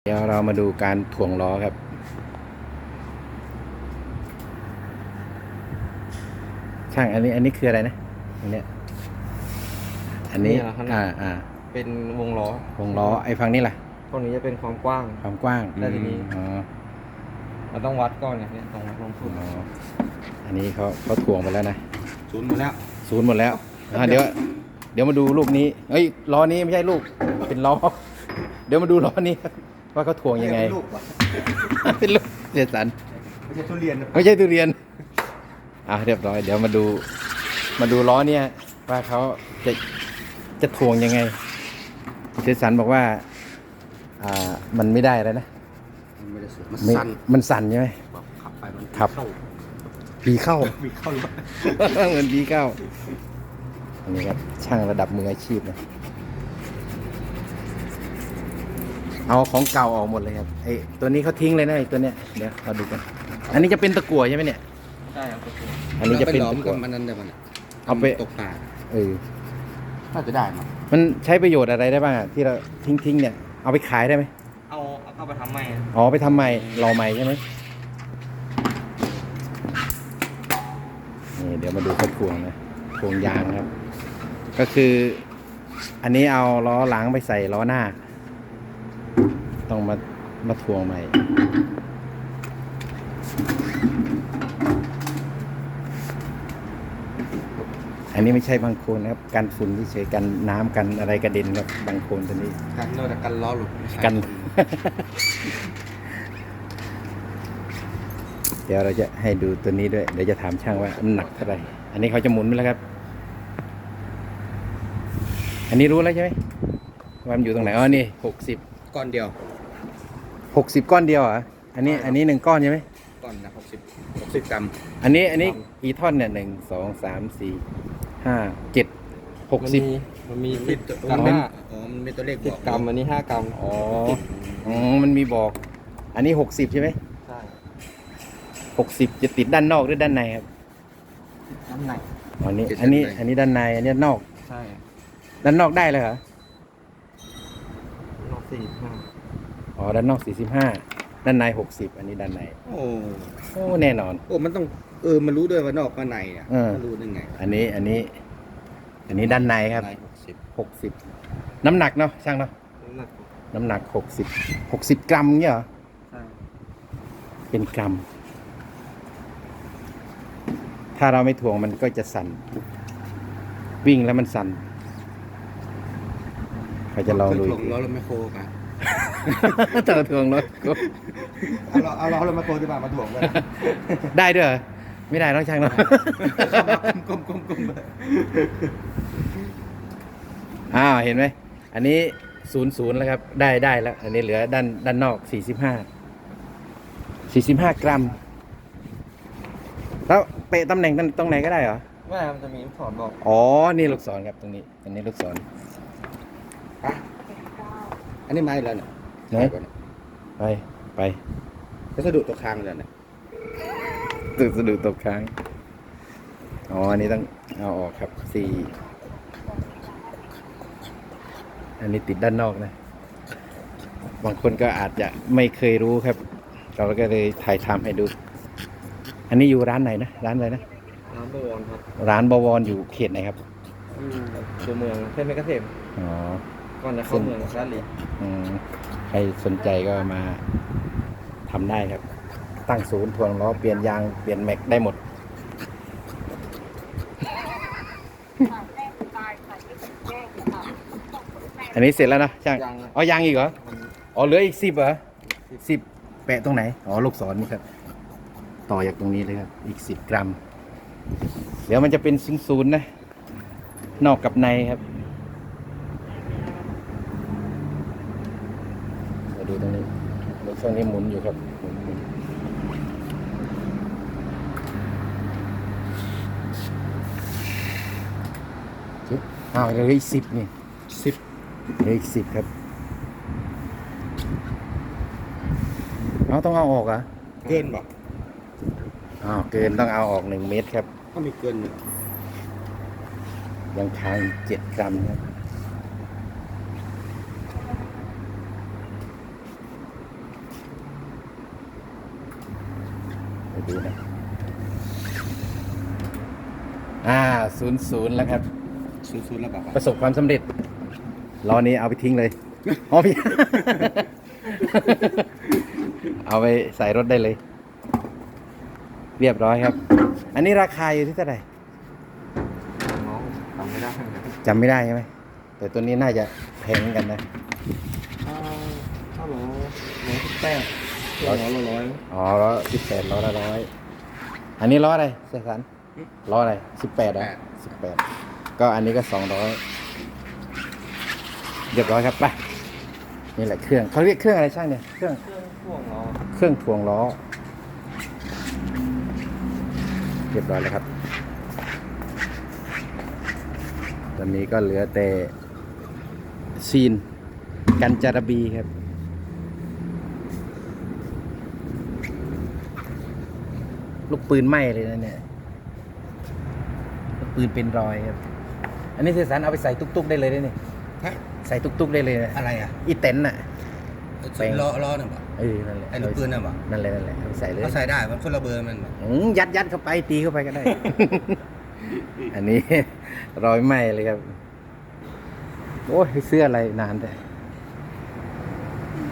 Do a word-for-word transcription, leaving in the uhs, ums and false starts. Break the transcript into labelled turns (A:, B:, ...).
A: เดี๋ยวเรามาดูการถ่วงล้อครับช่างอันนี้อันนี้คืออะไรนะอันเนี้ยอันนี้อ่าอ่า
B: เป็นวงล้อ
A: วงล้อไอ้ฝั่งนี้ล่ะ
B: ตรงนี้จะเป็นความกว้าง
A: ความกว้าง
B: แล้วทีนี้
A: อ๋อ
B: เราต้องวัดก่อนเนี่ยเนี่ยต้องวัดลงทุน
A: อ๋ออันนี้เขาเขาถ่วงไปแล้วนะ
B: ศูนย์หมดแล้ว
A: ศูนย์หมดแล้วอ่าเดี๋ยวเดี๋ยวมาดูลูกนี้เฮ้ยล้อนี้ไม่ใช่ลูกเป็นล้อเดี๋ยวมาดูล้อนี้ว่าเขาถ่วงยังไง
B: ลูกวะ
A: เป็นลูกเจสัน
B: ไม่ใช่ทุเรียนนะ
A: ไม่ใช่ทุเรียนอ่ะเรียบร้อยเดี๋ยวมาดูมาดูล้อเนี่ยว่าเขาจะจะถ่วงยังไงเจสันบอกว่าอ่ามันไม่ได้แล้วนะ
B: มันไม่ได้สูงมัน
A: ไม่
B: สั้น
A: มันสั่นใช่ไหม
B: แบบขับไปมัน
A: ครับ
B: เข้า
A: ปีเข้า
B: มีเข้ารถ
A: เหมือนปีเข้าอันนี้ครับช่างระดับมืออาชีพนะเอาของเก่าออกหมดเลยครับไอ้ตัวนี้เขาทิ้งเลยนะไอ้ตัวเนี้ยเดี๋ยวเราดูกันอันนี้จะเป็นตะกั่วใช่ไหมเนี่ย
B: ใช่ครับตัว
A: อันนี้จะเป็น
B: หลอ
A: ตะ
B: ม
A: กั่
B: กับ
A: ว
B: มันนั่นได้ป่ะเนี่ย
A: เอาไป
B: ตกปลา
A: เออ
B: น่าจะได้มั้ง
A: มันใช้ประโยชน์อะไรได้บ้างอะที่เราทิ้งทิ้งๆเนี่ยเอาไปขายได้ไหม
B: เอาเอาเข้าไปทำไม
A: อ๋อไปทำใหม่รอใหม่ใช่ไหมนี่เดี๋ยวมาดูเขาถ่วงนะถ่วงยางครับ ก็คือ อันนี้เอาล้อหลังไปใส่ล้อหน้า ต้องมามาถ่วงใหม่อันนี้ไม่ใช่บางโคลนนะครับกันฝุ่นเฉยๆกันน้ำกันอะไรกระเด็นครับบางโคลนตัวนี้
B: กันโน่นแต่กันล้อหลุดไม่ใช่
A: กัน เดี๋ยวเราจะให้ดูตัวนี้ด้วย เดี๋ยวจะถามช่างว่ามันหนักเท่าไหร่ อันนี้เขาจะหมุนไปแล้วครับ อันนี้รู้แล้วใช่ไหมว่ามันอยู่ตรงไหน อ๋อ นี่หกสิบ
B: ก้อนเดียว
A: หกสิบก้อนเดียวเหรอ อันนี้ อันนี้หนึ่งก้อนใช่ไหม
B: ก้อนนะหกสิบหกสิบกรัม
A: อันนี้ อันนี้กี่ท่อนเนี่ยหนึ่ง สอง สาม สี่ ห้า เจ็ด หกสิบ
B: มันมี
A: สิ
B: สิ
A: บบ
B: กรัม
A: มัน
B: ห้าอ๋อมันมีตัวเลขบ
C: สิ
B: อบ ก
C: กรัมอันนี้ห้ากรัม
A: อ๋อ อ๋อ มันมีบอก อันนี้หกสิบใช่ไหม
C: ใช่
A: หกสิบจะติดด้านนอกหรือด้านในครับ
C: น้ำหนัก
A: อ๋ออันนี้ อันนี้ อันนี้ด้านใน อันนี้ด้านนอก
C: ใช่
A: ด้านนอกได้เลยเหรอ
C: นอกสี่ห้า
A: อ๋อ ด้านนอกสี่สิบห้า ด้านในหกสิบ อันนี้ด้านใน
B: โอ้
A: โอ้ แน่นอน
B: โอ้มันต้องเออมันรู้ด้วยว่านอกกับในอ่ะ
A: เออ
B: มันรู้ได้ไง
A: อันนี้ อันนี้ อันนี้ด้านในครับ
B: ในหกสิบ
A: หกสิบ น้ำหนักเนาะ ช่างเนาะ
C: น้ำหนัก
A: น้ำหนักหกสิบ หกสิบกรัมเนี่ยเหรอ
C: ใช่
A: เป็นกรัม ถ้าเราไม่ถ่วงมันก็จะสั่น วิ่งแล้วมันสั่นใครจะลองดู
B: ถ่
A: อี
B: ว
A: ก
B: งล้อรถแมคโครป่ะ
A: ต่อถ่วงรถก็
B: เอาล้อเอาล้อรถแมคโครที่บ้านมาถ่วงเลย
A: ได้ด้วยเหรอไม่ได้ต้องช่างเนาะ
B: ก้มก้มก้ม
A: อ้าวเห็นไหมอันนี้ศูนย์ศูนย์แล้วครับได้ได้แล้ว อันนี้เหลือด้านด้านนอกสี่สิบห้าสี่สิบห้ากรัม แล้วเปะตำแหน่งตรงไหนก็ได้เหรอ
C: ไม่มันจะมีลูกศรบอก
A: อ๋อนี่ลูกศรครับตรงนี้อันนี้ลูกศร
B: อันนี้ไม้แล้วเนี่ย
A: ไหนไปไป
B: ก็สะดุดตัวคางเลยเนี่ย
A: ตึกสะดุดตกค้างอ๋ออันนี้ต้องเอาออกครับสี่อันนี้ติดด้านนอกนะ บางคนก็อาจจะไม่เคยรู้ครับ เราก็เลยถ่ายทำให้ดู อันนี้อยู่ร้านไหนนะ ร้านอะไรนะ
C: น้ำบวรครับ
A: ร้านบวรอยู่เขตไหนครับ
C: อยู่ตัวเมืองเส้นเมกะเทม
A: อ๋อ
C: ก่อนจะเข้าเมืองด้านลี
A: อืมใครสนใจก็มาทำได้ครับ ตั้งศูนย์ทวงล้อเปลี่ยนยางเปลี่ยนแม็กได้หมด อันนี้เสร็จแล้วนะช่าง
C: ยัง
A: อ๋อยังอีกเหรอ
C: มัน
A: อ๋อเหลืออีกสิบเหรอสิบแปะตรงไหน อ๋อลูกศรนี่ครับ ต่อจากตรงนี้เลยครับ อีกสิบกรัม เดี๋ยวมันจะเป็นศูนย์ๆนะ นอกกับในครับ มาดูตรงนี้รถช่วงนี้หมุนอยู่ครับหมุนหมุนจิ๊บอ้าวเหลืออีกสิบนี่
B: สิบ
A: เหลืออีกสิบครับ เอาต้องเอาออกเหรอ่ะ
B: เกินป่ะ
A: อ้าวเกินต้องเอาออกหนึ่งเมตรครับ
B: ก็มีเกินอยู่
A: ยังค้างเจ็ดกรัมครับดูนะอ่าศูนย์ศูนย์แล้วครับ
B: ศูนย์ศูนย์แล้วบอกว่า
A: ประสบความสำเร็จล้อนี้เอาไปทิ้งเลยอ๋อพี่ เอาไปใส่รถได้เลย เรียบร้อยครับ อันนี้ราคาอยู่ที่เท่าไหร่
C: น้องทำไม่ได้
A: จำไม่ได้ใช่ไหมแต่ตัวนี้น่าจะแพงเหมือนกันนะ
C: อ่าเท่าไหร่ร้อยสิบแปดร้อยร้อยร้อย
A: อ๋อล้อสิบแปดล้อละร้อยอันนี้ล้ออะไรเสกสรรล้ออะไรสิบแปดอ่ะสิบแปดก็อันนี้ก็สองร้อยเรียบร้อยครับไปนี่แหละเครื่องเขาเรียกเครื่องอะไรช่างเนี่ยเครื่อง
C: เครื่องพ่วงล้อ
A: เครื่องถ่วงล้อเรียบร้อยแล้วครับตอนนี้ก็เหลือแต่ซีนกันจารบีครับลูกปืนไหม้เลยนะเนี่ยลูกปืนเป็นรอยครับอันนี้เสกสรรเอาไปใส่ตุ๊กๆได้เลยได้นี่
B: ฮะ
A: ใส่ตุ๊กๆได้เลยนะ
B: อะไรอ่ะ
A: อีเต็นน่ะ แปลง
B: ล้อล้อน่ะบอก
A: เออนั่นแหละ
B: ไอ้ลูกปืนน่ะบอก
A: นั่นแหละนั่นแหละเอาไปใส่เลย
B: เขาใส่ได้มันคนละเบอร์มันบอก
A: อืมยัดยัดเข้าไปตีเข้าไปก็ได้ อันนี้ รอยไหม้เลยครับ โอ้ยเสื้ออะไรนานแต่